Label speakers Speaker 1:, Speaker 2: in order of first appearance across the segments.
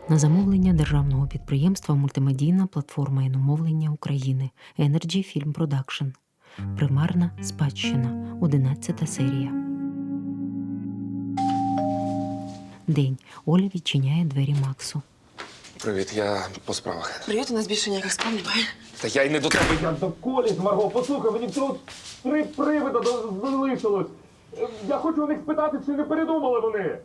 Speaker 1: На замовлення державного підприємства «Мультимедійна платформа іномовлення України» Energy Film Production. Примарна спадщина. 11 серія. День. Оля відчиняє двері Максу.
Speaker 2: Привіт, я по справах.
Speaker 3: Привіт, у нас більше ніяких справ немає.
Speaker 2: Та я й не до тебе.
Speaker 4: Я до коліс, Марго, послухай, мені тут 3 привида залишилось. Я хочу у них спитати, чи не передумали вони.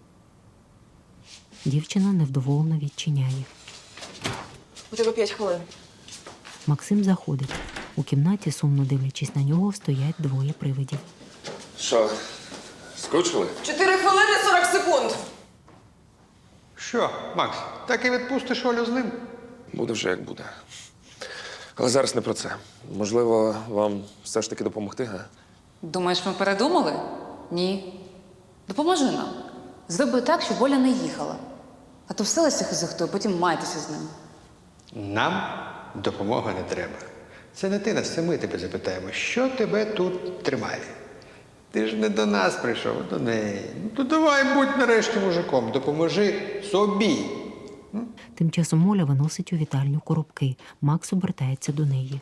Speaker 1: Дівчина невдоволено відчиняє.
Speaker 3: У тебе 5 хвилин.
Speaker 1: Максим заходить. У кімнаті, сумно дивлячись на нього, стоять двоє привидів.
Speaker 2: Що, скучили?
Speaker 3: 4 хвилини 40 секунд.
Speaker 5: Що, Макс, так і відпустиш Олю з ним?
Speaker 2: Буде вже як буде. Але зараз не про це. Можливо, вам все ж таки допомогти, га?
Speaker 6: Думаєш, ми передумали? Ні. Допоможи нам. Зроби так, щоб Оля не їхала. А то вселися хизохто, потім майтеся з ним.
Speaker 5: Нам допомога не треба. Це не ти нас, це ми тебе запитаємо, що тебе тут тримає. Ти ж не до нас прийшов, а до неї. Ну, то давай будь нарешті мужиком, допоможи собі.
Speaker 1: Тим часом Оля виносить у вітальню коробки. Макс обертається до неї.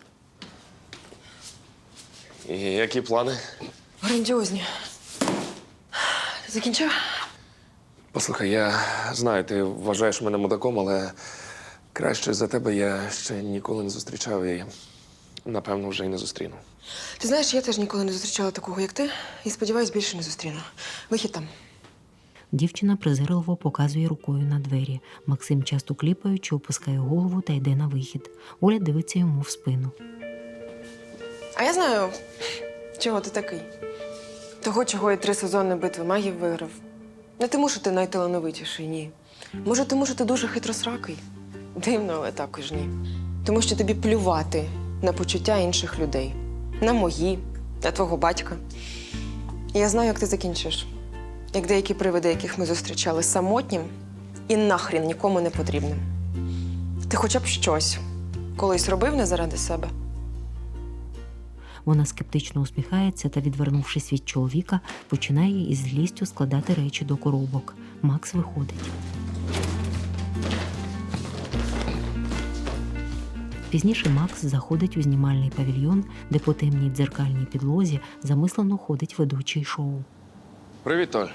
Speaker 2: І які плани?
Speaker 3: Грандіозні. Ти закінчив?
Speaker 2: Послухай, я знаю, ти вважаєш мене мудаком, але краще за тебе я ще ніколи не зустрічав і, напевно, вже й не зустріну.
Speaker 3: Ти знаєш, я теж ніколи не зустрічала такого, як ти, і сподіваюсь, більше не зустріну. Вихід там.
Speaker 1: Дівчина презирливо показує рукою на двері. Максим, часто кліпаючи, опускає голову та йде на вихід. Оля дивиться йому в спину.
Speaker 3: А я знаю, чого ти такий. Того, чого я 3 сезони битви магів виграв. Не тому, що ти найталановитіший, ні. Може, тому, що ти дуже хитросракий. Дивно, але також ні. Тому що тобі плювати на почуття інших людей. На мої, на твого батька. І я знаю, як ти закінчиш. Як деякі привиди, яких ми зустрічали, самотнім і нахрін нікому не потрібним. Ти хоча б щось колись робив не заради себе?
Speaker 1: Вона скептично усміхається та, відвернувшись від чоловіка, починає із злістю складати речі до коробок. Макс виходить. Пізніше Макс заходить у знімальний павільйон, де по темній дзеркальній підлозі замислено ходить ведучий шоу.
Speaker 2: Привіт, Толь.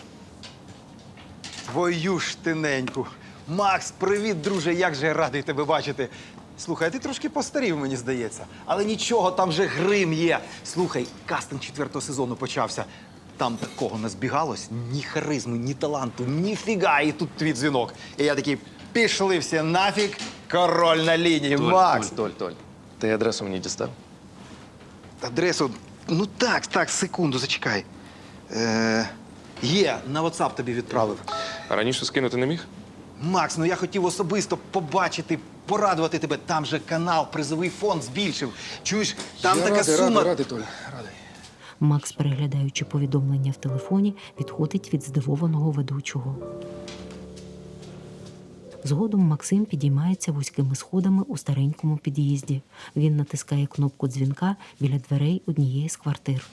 Speaker 7: Твою ж тиненьку. Макс, привіт, друже, як же я радий тебе бачити. Слухай, а ти трошки постарів, мені здається. Але нічого, там же грим є. Слухай, кастинг 4-го сезону почався. Там такого не збігалось, ні харизми, ні таланту, ніфіга, і тут твій дзвінок. І я такий, пішли всі нафіг, король на лінії. Макс!
Speaker 2: Толь. Ти адресу мені дістав?
Speaker 7: Адресу, ну так, секунду, зачекай. Є, на WhatsApp тобі відправив.
Speaker 2: А раніше скинути не міг?
Speaker 7: Макс, ну я хотів особисто побачити, порадувати тебе. Там же канал, призовий фонд збільшив. Чуєш, там така сума...
Speaker 2: Радий, Толь, радий.
Speaker 1: Макс, переглядаючи повідомлення в телефоні, відходить від здивованого ведучого. Згодом Максим підіймається вузькими сходами у старенькому під'їзді. Він натискає кнопку дзвінка біля дверей однієї з квартир.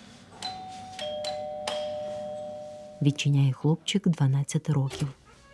Speaker 1: Відчиняє хлопчик 12 років.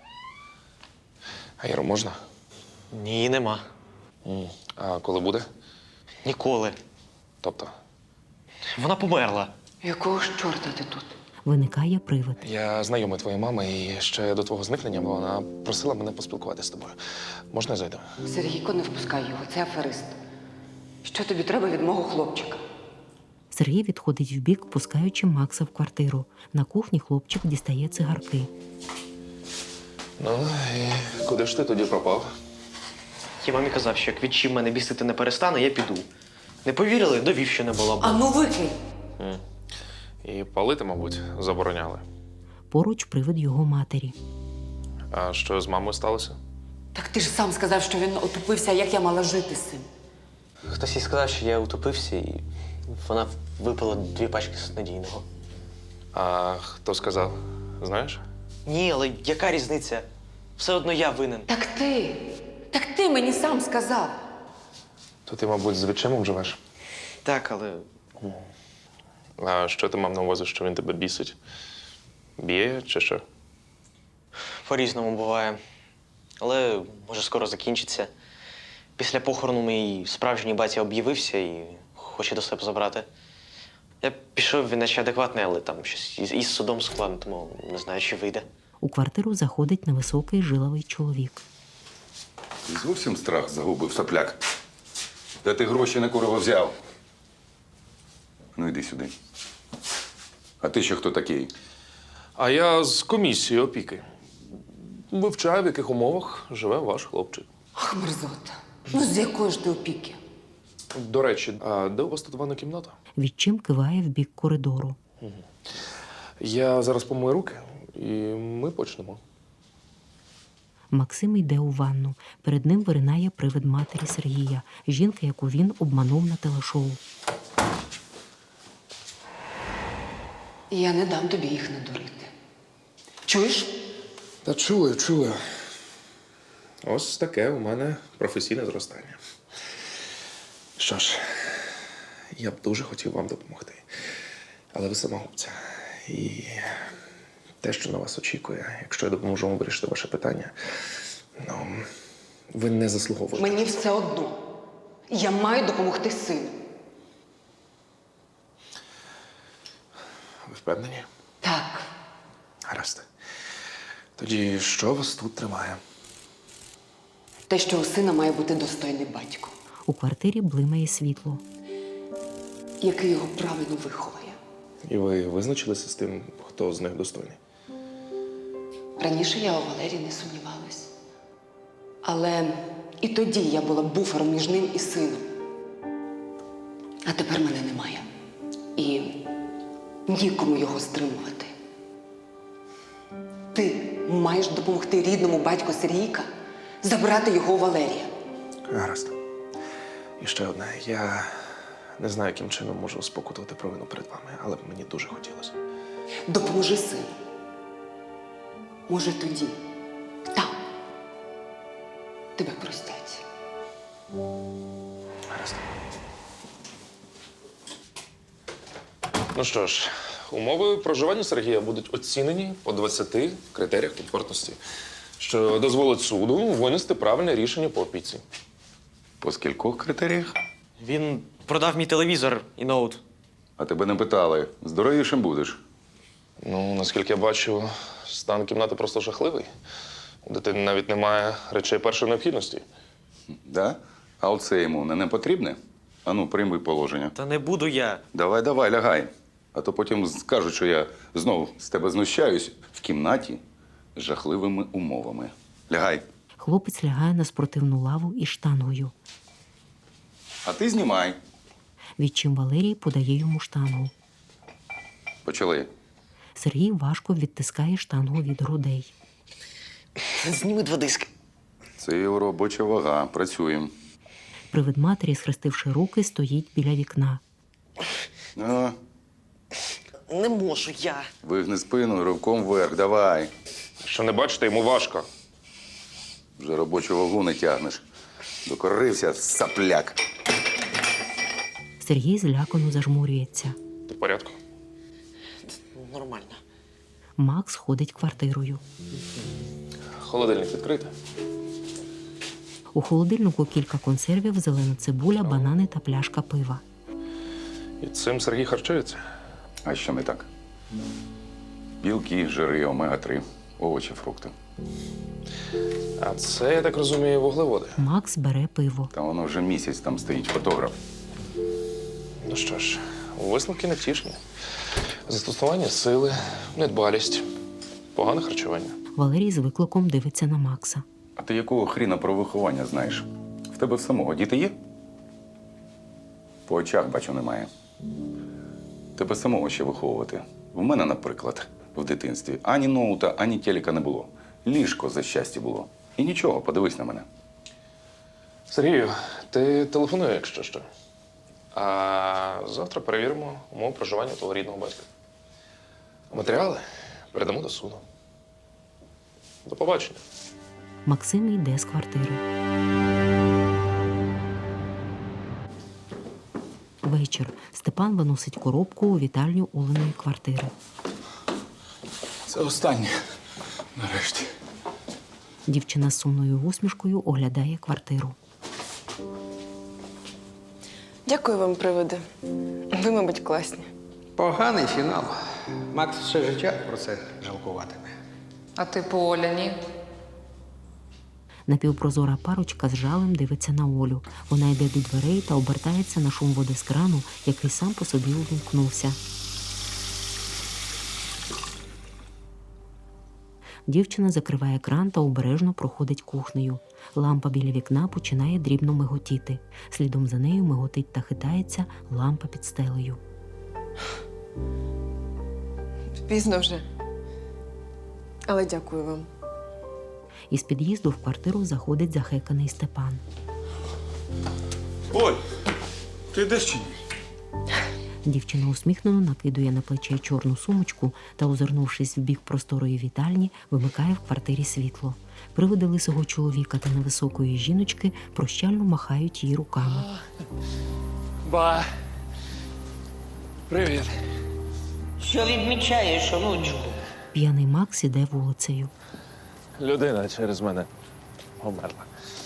Speaker 2: А Іро, можна?
Speaker 8: Ні, нема.
Speaker 2: А коли буде?
Speaker 8: Ніколи.
Speaker 2: Тобто?
Speaker 8: Вона померла.
Speaker 6: Якого ж чорта ти тут?
Speaker 1: Виникає привид.
Speaker 2: Я знайомий твоєї мами і ще до твого зникнення вона просила мене поспілкуватися з тобою. Можна я зайду?
Speaker 6: Сергійко, не впускай його, це аферист. Що тобі треба від мого хлопчика?
Speaker 1: Сергій відходить вбік, пускаючи Макса в квартиру. На кухні хлопчик дістає цигарки.
Speaker 2: Ну, і куди ж ти тоді пропав?
Speaker 8: Я мамі казав, що як відчим мене бісити не перестане, я піду. Не повірили, довів, що не була.
Speaker 6: А ну викинь!
Speaker 2: І палити, мабуть, забороняли.
Speaker 1: Поруч привид його матері.
Speaker 2: А що з мамою сталося?
Speaker 6: Так ти ж сам сказав, що він отупився, як я мала жити з цим.
Speaker 8: Хтось їй сказав, що я утопився, і вона випила 2 пачки снадійного.
Speaker 2: А хто сказав? Знаєш?
Speaker 8: Ні, але яка різниця? Все одно я винен.
Speaker 6: Так ти мені сам сказав.
Speaker 2: То ти, мабуть, з відчимом живеш?
Speaker 8: Так, але
Speaker 2: А що ти мав на увазі, що він тебе бісить? Б'є чи що?
Speaker 8: по-різному буває. Але може скоро закінчиться. Після похорону мій справжній батя об'явився і хоче до себе забрати. Я пішов, він наче адекватний, але там щось із судом складно, тому не знаю, чи вийде.
Speaker 1: У квартиру заходить невисокий жиловий чоловік.
Speaker 9: Ти зовсім страх загубив, сопляк. Де ти гроші на курва взяв? Ну, йди сюди. А ти ще хто такий?
Speaker 2: А я з комісії опіки. Вивчаю, в яких умовах живе ваш хлопчик.
Speaker 10: Ах, мерзота. Ну з якої ж ти опіки?
Speaker 2: До речі, а де у вас тут ванна кімната?
Speaker 1: Відчим киває в бік коридору.
Speaker 2: Я зараз помию руки, і ми почнемо.
Speaker 1: Максим йде у ванну. Перед ним виринає привид матері Сергія, жінки, яку він обманув на телешоу.
Speaker 10: Я не дам тобі їх надурити. Чуєш?
Speaker 2: Та чую. Ось таке у мене професійне зростання. Що ж, я б дуже хотів вам допомогти. Але ви самогубця. І те, що на вас очікує, якщо я допоможу вам вирішити ваше питання, ну, ви не заслуговуєте.
Speaker 10: Мені все одно. Я маю допомогти сину.
Speaker 2: Ви впевнені?
Speaker 10: Так.
Speaker 2: Гаразд. Тоді що вас тут тримає?
Speaker 10: Те, що у сина має бути достойний батько,
Speaker 1: У квартирі блимає світло.
Speaker 10: який його правильно виховує.
Speaker 2: І ви визначилися з тим, хто з них достойний?
Speaker 10: Раніше я у Валерії не сумнівалась. Але і тоді я була буфером між ним і сином. А тепер мене немає. І нікому його стримувати. Ти маєш допомогти рідному батьку Сергійка забрати його у Валерія.
Speaker 2: Гаразд. І ще одне. Я не знаю, яким чином можу спокутувати провину перед вами, але б мені дуже хотілося.
Speaker 10: Допоможи сину. Може, тоді, там, тебе простять.
Speaker 2: Гаразд. Ну що ж, умови проживання Сергія будуть оцінені по 20 критеріях комфортності, що дозволить суду винести правильне рішення по опіці.
Speaker 9: По скількох критеріях?
Speaker 8: Він продав мій телевізор і ноут.
Speaker 9: А тебе не питали. Здоровішим будеш.
Speaker 2: Ну, наскільки я бачу, стан кімнати просто жахливий. У дитини навіть немає речей першої необхідності.
Speaker 9: Да? А оце йому не потрібне? Ану, прийми положення.
Speaker 8: Та не буду я.
Speaker 9: Давай, лягай. А то потім скажуть, що я знову з тебе знущаюсь в кімнаті з жахливими умовами. Лягай.
Speaker 1: Хлопець лягає на спортивну лаву із штангою.
Speaker 9: А ти знімай.
Speaker 1: Відчим Валерій подає йому штангу.
Speaker 9: Почали.
Speaker 1: Сергій важко відтискає штангу від грудей.
Speaker 8: Зніми 2 диски.
Speaker 9: Це його робоча вага. Працюємо.
Speaker 1: Привид матері, схрестивши руки, стоїть біля вікна.
Speaker 9: А,
Speaker 8: Не можу я.
Speaker 9: вигни спину, ривком вверх. Давай.
Speaker 2: Що не бачите, йому важко.
Speaker 9: Вже робочу вагу не тягнеш. Докорився, сапляк.
Speaker 1: Сергій злякано зажмурюється.
Speaker 2: Ти в порядку?
Speaker 8: Нормально.
Speaker 1: Макс ходить квартирою.
Speaker 2: Холодильник відкритий.
Speaker 1: У холодильнику кілька консервів, зелена цибуля, банани та пляшка пива.
Speaker 2: І цим Сергій харчується.
Speaker 9: А що не так? Білки, жири, омега-3, овочі, фрукти.
Speaker 2: А це, я так розумію, вуглеводи.
Speaker 1: Макс бере пиво.
Speaker 9: Та воно вже місяць там стоїть фотограф.
Speaker 2: Ну що ж, висновки невтішні. Застосування сили, недбалість, погане харчування.
Speaker 1: Валерій з викликом дивиться на Макса.
Speaker 9: А ти якого хріна про виховання знаєш? В тебе в самого діти є? По очах, бачу, немає. Тебе самого ще виховувати. В мене, наприклад, в дитинстві ані ноута, ані телека не було. Ліжко за щастя було. І нічого, подивись на мене.
Speaker 2: Сергію, ти телефонуй, якщо що. А завтра перевіримо умови проживання твого рідного батька. Матеріали передамо до суду. До побачення.
Speaker 1: Максим йде з квартири. Вечір. Степан виносить коробку у вітальню Оленої квартири.
Speaker 9: Це останнє. Нарешті.
Speaker 1: Дівчина з сумною усмішкою оглядає квартиру.
Speaker 3: Дякую вам, привиди. Ви, мабуть, класні.
Speaker 5: Поганий фінал. Макс все життя про це жалкуватиме.
Speaker 6: А ти по Оля, ні?
Speaker 1: Напівпрозора парочка з жалем дивиться на Олю. Вона йде до дверей та обертається на шум води з крану, який сам по собі увімкнувся. Дівчина закриває кран та обережно проходить кухнею. Лампа біля вікна починає дрібно миготіти. Слідом за нею миготить та хитається лампа під стелею.
Speaker 3: Пізно вже. Але дякую вам.
Speaker 1: Із під'їзду в квартиру заходить захеканий Степан.
Speaker 4: Оль, ти йдеш чи ні?
Speaker 1: Дівчина усміхнено накидує на плече чорну сумочку та, озирнувшись в бік просторої вітальні, вимикає в квартирі світло. Привиди лисого чоловіка та невисокої жіночки прощально махають їй руками.
Speaker 4: Ба. Привіт.
Speaker 11: Що відмічаєш, онучку?
Speaker 1: П'яний Макс іде вулицею.
Speaker 4: Людина через мене померла.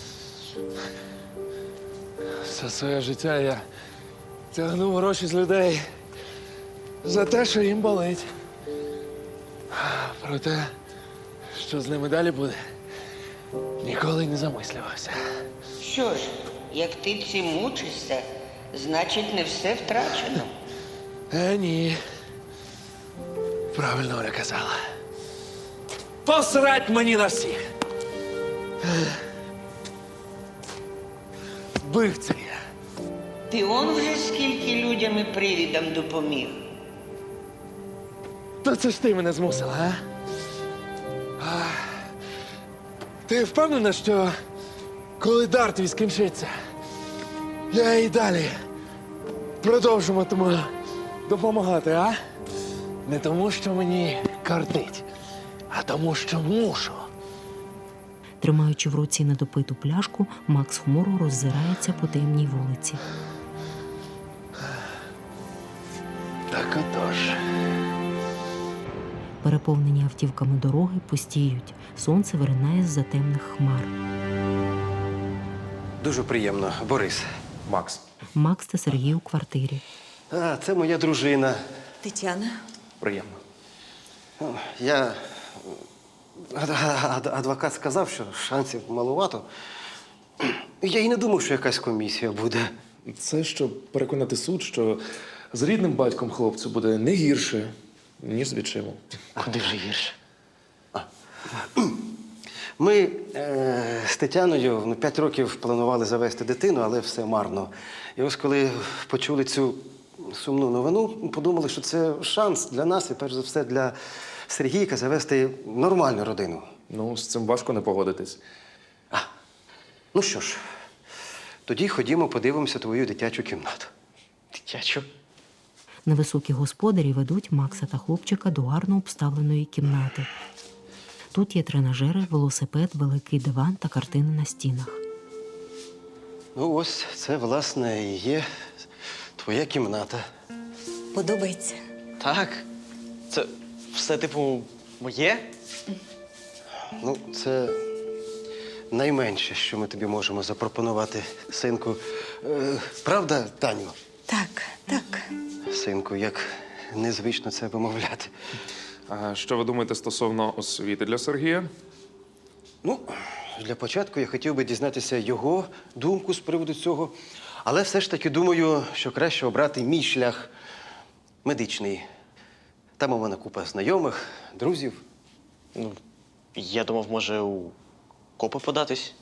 Speaker 4: Все своє життя я тягнув гроші з людей за те, що їм болить. Про те, що з ними далі буде, ніколи не замислювався.
Speaker 11: Що ж, як ти цим мучишся, значить не все втрачено.
Speaker 4: Ні. Правильно Оля казала. Посрать мені на всіх. Вбивця я.
Speaker 11: Ти он вже скільки людям і привідам допоміг.
Speaker 4: Та це ж ти мене змусила, а? Ти впевнена, що коли дар твій скінчиться, я і далі продовжуватиму допомагати, а? Не тому, що мені кортить, а тому, що мушу.
Speaker 1: Тримаючи в руці недопиту пляшку, Макс хмуро роззирається по темній вулиці.
Speaker 4: Так отож.
Speaker 1: Переповнені автівками дороги пустіють. Сонце виринає з-за темних хмар.
Speaker 12: Дуже приємно, Борис.
Speaker 2: Макс.
Speaker 1: Макс та Сергій у квартирі.
Speaker 12: А, це моя дружина.
Speaker 10: Тетяна.
Speaker 2: Приємно.
Speaker 12: Я... Адвокат сказав, що шансів малувато. Я і не думав, що якась комісія буде.
Speaker 2: Це щоб переконати суд, що з рідним батьком хлопцю буде не гірше, ніж з відчимом.
Speaker 12: Куди вже гірше? Ми з Тетяною 5 років планували завести дитину, але все марно. І ось коли почули цю сумну новину, подумали, що це шанс для нас і, перш за все, для Сергійка завести нормальну родину.
Speaker 2: Ну, з цим важко не погодитись.
Speaker 12: Ну що ж, тоді ходімо, подивимося твою дитячу кімнату.
Speaker 2: Дитячу?
Speaker 1: Невисокі господарі ведуть Макса та хлопчика до гарно обставленої кімнати. Тут є тренажери, велосипед, великий диван та картини на стінах.
Speaker 12: Ну ось, це, власне, і є твоя кімната.
Speaker 10: Подобається?
Speaker 8: Так. Це все, типу, моє?
Speaker 12: Ну, це найменше, що ми тобі можемо запропонувати, синку. Правда, Таню?
Speaker 10: Так, так.
Speaker 12: Синку, як незвично це вимовляти.
Speaker 2: А що ви думаєте стосовно освіти для Сергія?
Speaker 12: Ну, для початку я хотів би дізнатися його думку з приводу цього. Але все ж таки думаю, що краще обрати мій шлях медичний. Там у мене купа знайомих, друзів.
Speaker 8: Ну, я думав, може, у копи податись.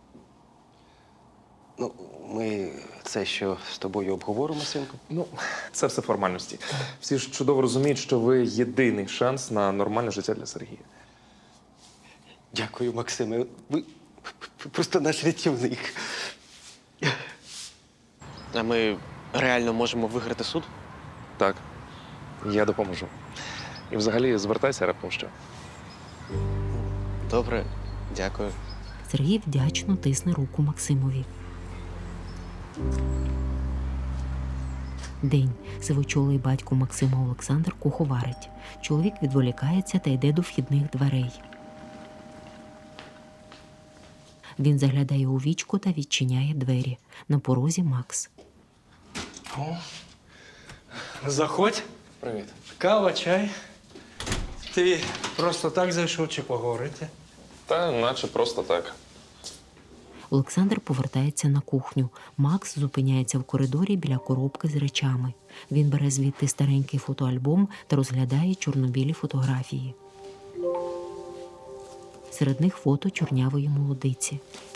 Speaker 12: Ну, ми це що з тобою обговоримо, синку?
Speaker 2: Ну, це все формальності. Всі ж чудово розуміють, що ви єдиний шанс на нормальне життя для Сергія.
Speaker 12: Дякую, Максиме. Ви просто наш рятівник.
Speaker 8: А ми реально можемо виграти суд?
Speaker 2: Так, я допоможу. І взагалі звертайся раптом що.
Speaker 8: Добре, дякую.
Speaker 1: Сергій вдячно тисне руку Максимові. День. Сивочолий батько Максима Олександр куховарить. Чоловік відволікається та йде до вхідних дверей. Він заглядає у вічко та відчиняє двері. На порозі Макс.
Speaker 13: Заходь.
Speaker 2: Привіт.
Speaker 13: Кава, чай. Ти просто так зайшов чи поговорити?
Speaker 2: Та наче просто так.
Speaker 1: Олександр повертається на кухню. Макс зупиняється в коридорі біля коробки з речами. Він бере звідти старенький фотоальбом та розглядає чорнобілі фотографії. Серед них фото чорнявої молодиці.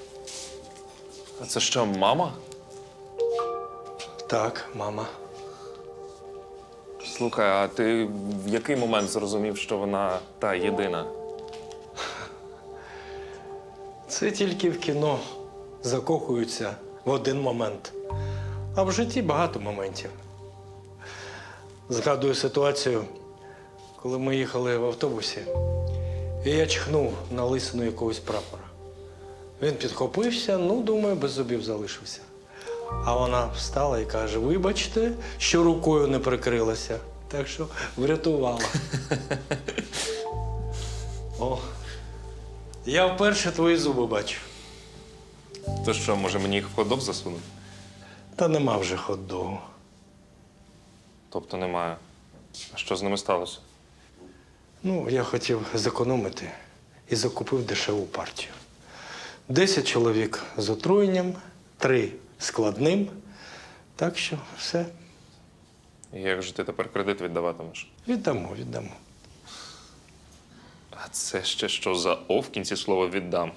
Speaker 2: А це що, мама?
Speaker 13: Так, мама.
Speaker 2: Слухай, а ти в який момент зрозумів, що вона та єдина?
Speaker 13: Це тільки в кіно закохуються в один момент. А в житті багато моментів. Згадую ситуацію, коли ми їхали в автобусі, і я чхнув на лисину якогось прапора. Він підхопився, думаю, без зубів залишився. А вона встала і каже: вибачте, що рукою не прикрилася. Так що врятувала. О, я вперше твої зуби бачу.
Speaker 2: То що, може мені їх в хот-дог засунути?
Speaker 13: Та нема вже хот-догу.
Speaker 2: Тобто немає. А що з ними сталося?
Speaker 13: Я хотів зекономити і закупив дешеву партію. 10 чоловік з отруєнням, 3 складним. Так що все.
Speaker 2: І як же ти тепер кредит віддаватимеш?
Speaker 13: Віддамо.
Speaker 2: А це ще що за «о» в кінці слова «віддам»?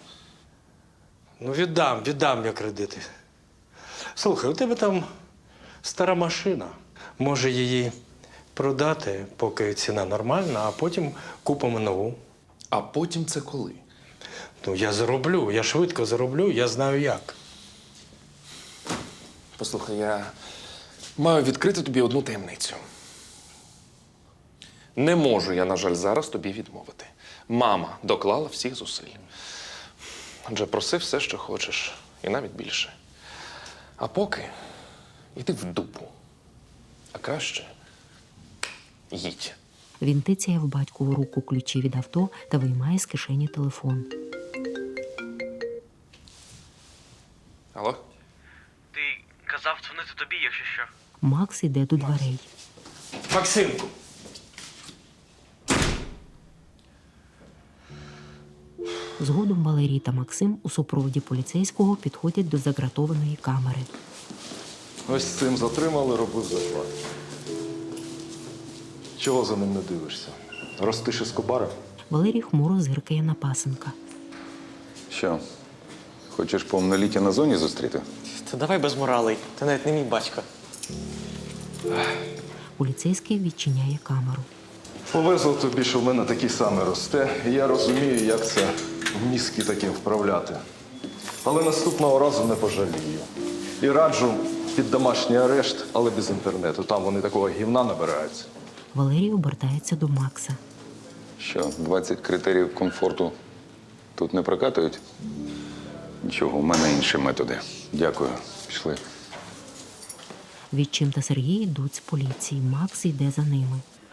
Speaker 13: Віддам я кредити. Слухай, у тебе там стара машина. Може її продати, поки ціна нормальна, а потім купимо нову.
Speaker 2: А потім це коли?
Speaker 13: Я зароблю, я швидко зароблю, я знаю як.
Speaker 2: Послухай, я маю відкрити тобі одну таємницю. Не можу я, на жаль, зараз тобі відмовити. Мама доклала всіх зусиль. Отже, проси все, що хочеш, і навіть більше. А поки йди в дупу. А краще їдь.
Speaker 1: Він тицяє в батькову руку ключі від авто та виймає з кишені телефон.
Speaker 2: Алло?
Speaker 14: Ти казав дзвонити тобі, якщо що.
Speaker 1: Макс іде до дверей.
Speaker 13: Максимку!
Speaker 1: Згодом Валерій та Максим у супроводі поліцейського підходять до загратованої камери.
Speaker 15: Ось цим затримали, робив захват. Чого за ним не дивишся? Ростиш Ескобара?
Speaker 1: Валерій хмуро зиркає на пасенка.
Speaker 9: Що, хочеш повноліття на зоні зустріти?
Speaker 8: Та давай без моралей. Ти навіть не мій батько.
Speaker 1: Поліцейський відчиняє камеру.
Speaker 15: Повезло тобі, що в мене такий самий росте, і я розумію, як це в мізки таким вправляти. Але наступного разу не пожалію. І раджу під домашній арешт, але без інтернету. Там вони такого гівна набираються.
Speaker 1: Валерій обертається до Макса.
Speaker 9: Що, 20 критеріїв комфорту тут не прокатують? Нічого, у мене інші методи. Дякую. Пішли.
Speaker 1: Відчим та Сергій йдуть з поліції. Макс йде за ними.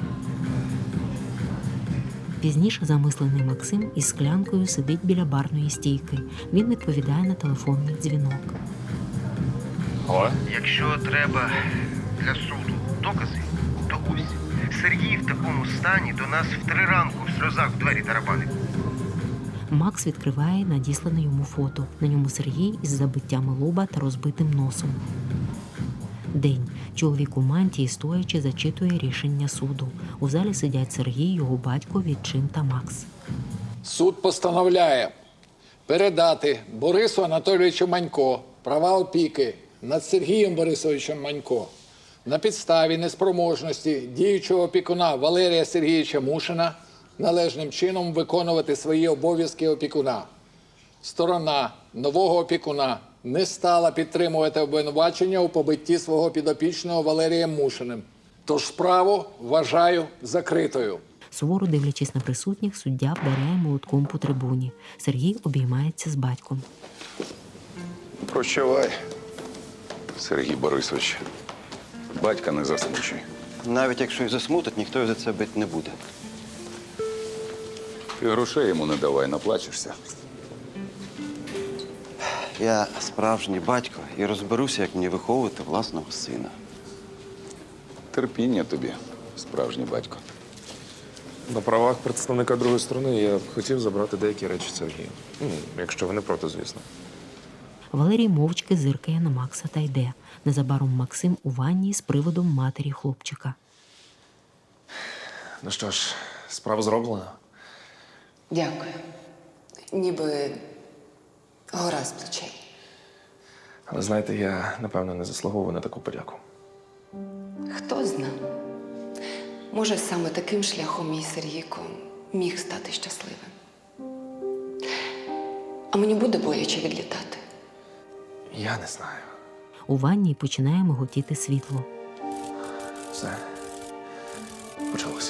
Speaker 1: Пізніше замислений Максим із склянкою сидить біля барної стійки. Він відповідає на телефонний дзвінок.
Speaker 2: Алло?
Speaker 14: Якщо треба для суду докази, то ось. Сергій в такому стані до нас в 3 ранку в сльозах в двері тарабанив.
Speaker 1: Макс відкриває надіслане йому фото. На ньому Сергій із забиттями лоба та розбитим носом. День. Чоловік у мантії, стоячи, зачитує рішення суду. У залі сидять Сергій, його батько, Відчим та Макс.
Speaker 16: Суд постановляє передати Борису Анатолійовичу Манько права опіки над Сергієм Борисовичем Манько на підставі неспроможності діючого опікуна Валерія Сергійовича Мушина належним чином виконувати свої обов'язки опікуна. Сторона нового опікуна не стала підтримувати обвинувачення у побитті свого підопічного Валерієм Мушиним. Тож справу вважаю закритою.
Speaker 1: Суворо дивлячись на присутніх, суддя вдаряє молотком по трибуні. Сергій обіймається з батьком.
Speaker 9: Прощавай, Сергій Борисович. Батька не засмучуй.
Speaker 12: Навіть якщо і засмутить, ніхто його за це бити не буде.
Speaker 9: Ти грошей йому не давай, наплачешся.
Speaker 12: Я справжній батько і розберуся, як мені виховувати власного сина.
Speaker 9: Терпіння тобі, справжній батько.
Speaker 2: На правах представника другої сторони я б хотів забрати деякі речі Сергія. Якщо ви не проти, звісно.
Speaker 1: Валерій мовчки зиркає на Макса та йде. Незабаром Максим у ванні з приводом матері хлопчика.
Speaker 2: Ну що ж, справа зроблена.
Speaker 10: Дякую. Ніби гора з плечей.
Speaker 2: Але знаєте, я, напевно, не заслуговую на таку подяку.
Speaker 10: Хто зна? Може, саме таким шляхом мій Сергійко міг стати щасливим. А мені буде боляче відлітати.
Speaker 2: Я не знаю.
Speaker 1: У ванні починає миготіти світло.
Speaker 2: Все. Почалося.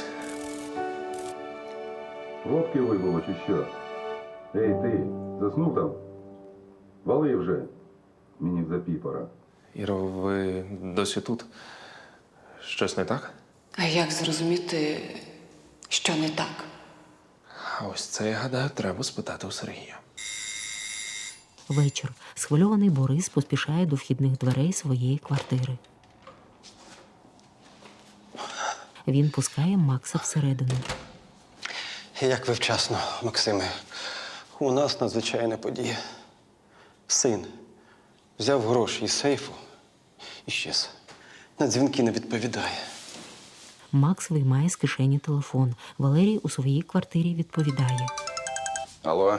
Speaker 9: Водки вибило чи що? Ей, ти, заснув там? Вали вже. Мені в запій пора.
Speaker 2: Іро, ви досі тут? Щось не так?
Speaker 10: А як зрозуміти, що не так?
Speaker 2: А ось це, я гадаю, треба спитати у Сергія.
Speaker 1: Вечір. Схвильований Борис поспішає до вхідних дверей своєї квартири. Він пускає Макса всередину.
Speaker 12: Як ви вчасно, Максиме. У нас надзвичайна подія. Син взяв гроші із сейфу і щез. На дзвінки не відповідає.
Speaker 1: Макс виймає з кишені телефон. Валерій у своїй квартирі відповідає.
Speaker 9: Алло.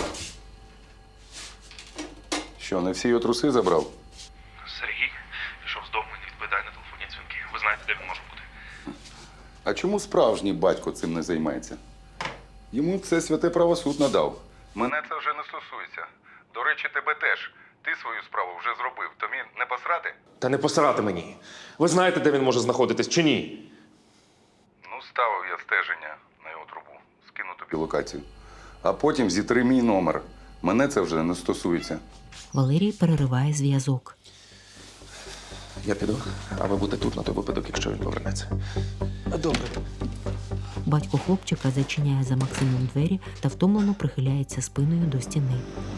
Speaker 9: Що, не всі його труси забрав?
Speaker 2: Сергій пішов з дому і не відповідає на телефонні дзвінки. Ви знаєте, де він може бути?
Speaker 9: А чому справжній батько цим не займається? Йому це святе правосуд надав. Мене це вже не стосується. До речі, тебе теж. Ти свою справу вже зробив. Тобі не посрати?
Speaker 2: Та не посирати мені. Ви знаєте, де він може знаходитись чи ні?
Speaker 9: Ну, ставив я стеження на його трубу. Скину тобі локацію. А потім зітри мій номер. Мене це вже не стосується.
Speaker 1: Валерій перериває зв'язок.
Speaker 2: Я піду, а ви будете тут на той випадок, якщо він повернеться.
Speaker 12: Добре.
Speaker 1: Батько хлопчика зачиняє за Максимом двері та втомлено прихиляється спиною до стіни.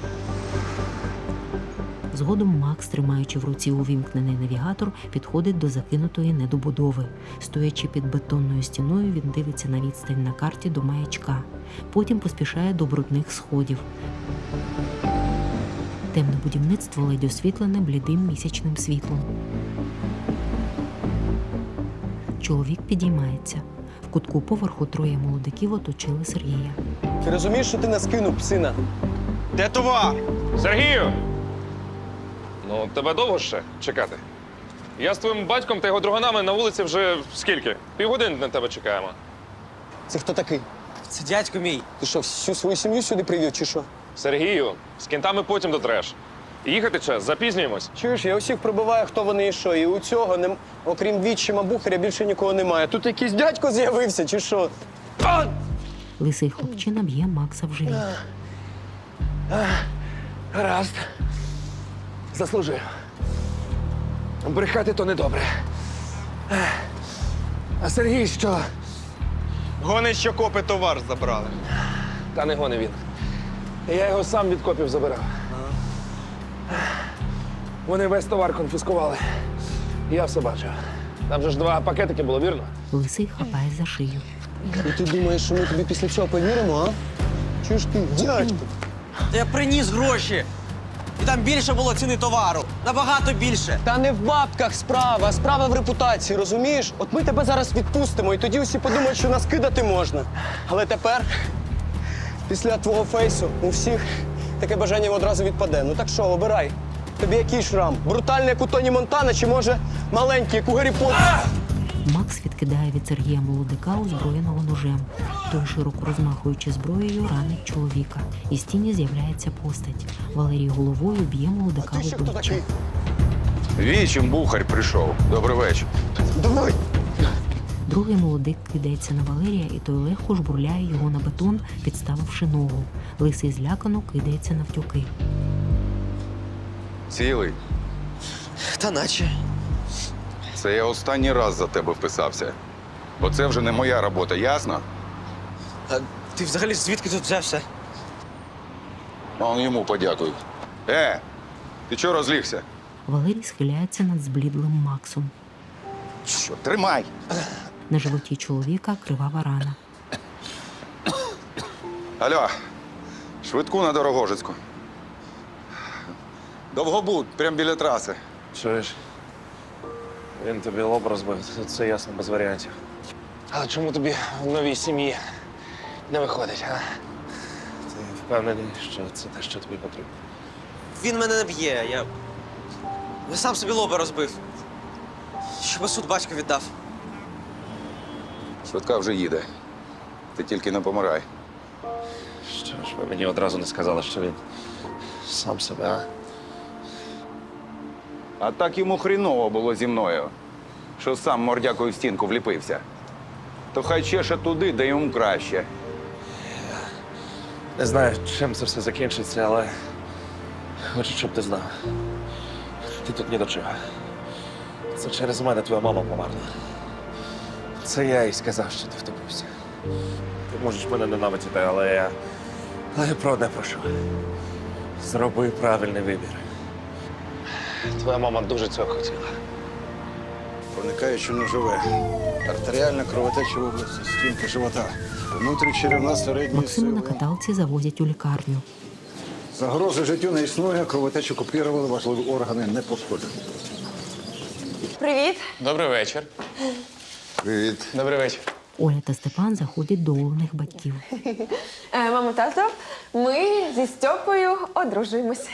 Speaker 1: Згодом Макс, тримаючи в руці увімкнений навігатор, підходить до закинутої недобудови. Стоячи під бетонною стіною, він дивиться на відстань на карті до маячка. Потім поспішає до брудних сходів. Темне будівництво ледь освітлене блідим місячним світлом. Чоловік підіймається. В кутку поверху троє молодиків оточили Сергія.
Speaker 17: Ти розумієш, що ти нас кинув, псина?
Speaker 2: Де товар? Сергію! Ну, тебе довго ще чекати? Я з твоїм батьком та його друганами на вулиці вже скільки? Півгодини на тебе чекаємо.
Speaker 17: Це хто такий? Це дядько мій. Ти що, всю свою сім'ю сюди привів, чи що?
Speaker 2: Сергію, з кінтами потім дотреш. Їхати час, запізнюємось.
Speaker 17: Чуєш, я усіх пробиваю, хто вони і що. І у цього, окрім відчима Бухаря, більше нікого немає. Тут якийсь дядько з'явився, чи що?
Speaker 1: Лисий хлопчина б'є Макса в живіт.
Speaker 4: Гаразд. Заслужив. Брехати то недобре. А Сергій що?
Speaker 7: Гонить, що копи товар забрали.
Speaker 4: Та не гони він. Я його сам від копів забирав. Вони весь товар конфіскували. Я все бачив. Там же ж 2 пакетики було, вірно?
Speaker 1: Лисий хапає за шию.
Speaker 17: І ти думаєш, що ми тобі після цього повіримо, а? Чуєш ти, дядько?
Speaker 18: Я приніс гроші. І там більше було ціни товару. Набагато більше.
Speaker 17: Та не в бабках справа, а справа в репутації, розумієш? От ми тебе зараз відпустимо, і тоді усі подумають, що нас кидати можна. Але тепер, після твого фейсу, у всіх таке бажання одразу відпаде. Ну так що, обирай. Тобі який шрам? Брутальний, як у Тоні Монтана, чи може маленький, як у Гаррі Поттера?
Speaker 1: Макс відкидає від Сергія молодика, озброєного ножем. Той, широко розмахуючи зброєю, ранить чоловіка. Із тіні з'являється постать. Валерій головою б'є молодика в обличчя.
Speaker 9: Вічим Бухар прийшов. Добрий вечір.
Speaker 17: Давай!
Speaker 1: Другий молодик кидається на Валерія, і той легко жбурляє його на бетон, підставивши ногу. Лисий злякано кидається навтюки.
Speaker 9: Цілий.
Speaker 18: Та наче.
Speaker 9: Це я останній раз за тебе вписався. Бо це вже не моя робота, ясно?
Speaker 18: А ти взагалі звідки тут взявся?
Speaker 9: А он йому подякуй. Ти чого розлігся?
Speaker 1: Валерій схиляється над зблідлим Максом.
Speaker 9: Що, тримай.
Speaker 1: На животі чоловіка кривава рана.
Speaker 9: Алло, швидку на Дорогожицьку. Довгобуд, прямо біля траси.
Speaker 2: Чуєш? Він тобі лоб розбив, це ясно, без варіантів. Але чому тобі в новій сім'ї не виходить, а? Ти впевнений, що це те, що тобі потрібно?
Speaker 18: Він мене не б'є. Я сам собі лоба розбив. Щоб суд батько віддав.
Speaker 9: Швидка вже їде. Ти тільки не помирай.
Speaker 2: Що ж ви мені одразу не сказали, що він сам себе, а?
Speaker 9: А так йому хріново було зі мною, що сам мордякою в стінку вліпився. То хай чеше туди, де йому краще.
Speaker 2: Не знаю, чим це все закінчиться, але хочу, щоб ти знав. Ти тут ні до чого. Це через мене твоя мама померла. Це я їй сказав, що ти втопився. Ти можеш мене ненавидіти, але я про одне прошу. Зроби правильний вибір. Твоя мама дуже цього хотіла.
Speaker 19: Проникаючи ножове. Артеріальна кровотеча в області стінки живота. Внутрічеревна середньої
Speaker 1: Максима на
Speaker 19: сили.
Speaker 1: каталці завозять у лікарню.
Speaker 19: Загрози життю не існує, кровотечу купірували, важливі органи не пошкоджені.
Speaker 3: Привіт.
Speaker 20: Добрий вечір.
Speaker 19: Привіт.
Speaker 20: Добрий вечір.
Speaker 1: Оля та Степан заходять до Олених батьків.
Speaker 3: Мамо, тато, ми зі Стьопою одружуємось.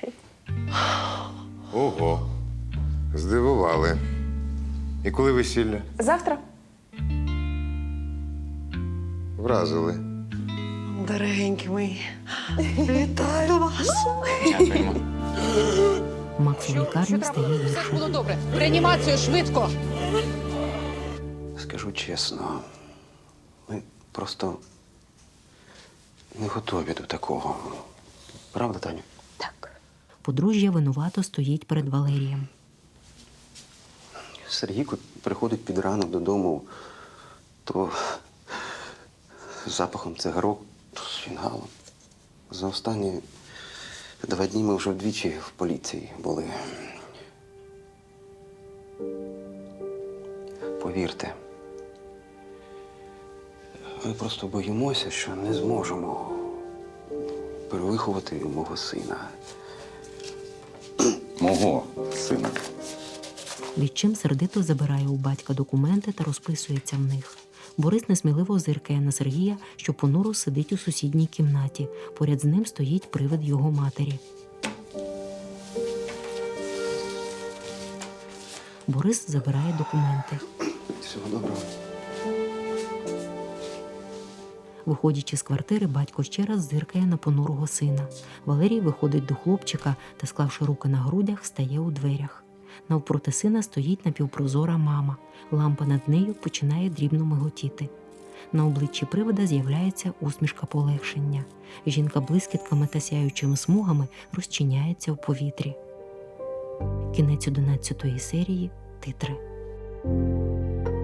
Speaker 21: Ого, здивували. І коли весілля?
Speaker 3: Завтра.
Speaker 21: Вразили.
Speaker 3: Дорогенькі мої, вітаю вас.
Speaker 20: Дякуємо.
Speaker 1: Макс у лікарні стає
Speaker 22: Все
Speaker 1: гірше.
Speaker 22: було добре. В реанімацію, швидко.
Speaker 12: Скажу чесно, ми просто не готові до такого. Правда, Таню?
Speaker 1: Подружжя винувато стоїть перед Валерієм.
Speaker 12: Сергійко приходить під ранок додому, то з запахом цигарок, то з фінгалом. За останні 2 дні ми вже вдвічі в поліції були. Повірте, ми просто боїмося, що не зможемо перевиховати мого сина.
Speaker 9: Мого сина.
Speaker 1: Відчим сердито забирає у батька документи та розписується в них. Борис несміливо зиркає на Сергія, що понуро сидить у сусідній кімнаті. Поряд з ним стоїть привид його матері. Борис забирає документи.
Speaker 12: Всього доброго.
Speaker 1: Виходячи з квартири, батько ще раз зиркає на понурого сина. Валерій виходить до хлопчика та, склавши руки на грудях, стає у дверях. Навпроти сина стоїть напівпрозора мама. Лампа над нею починає дрібно миготіти. На обличчі привида з'являється усмішка полегшення. Жінка блискітками та сяючими смугами розчиняється в повітрі. Кінець 11-ї серії. Титри.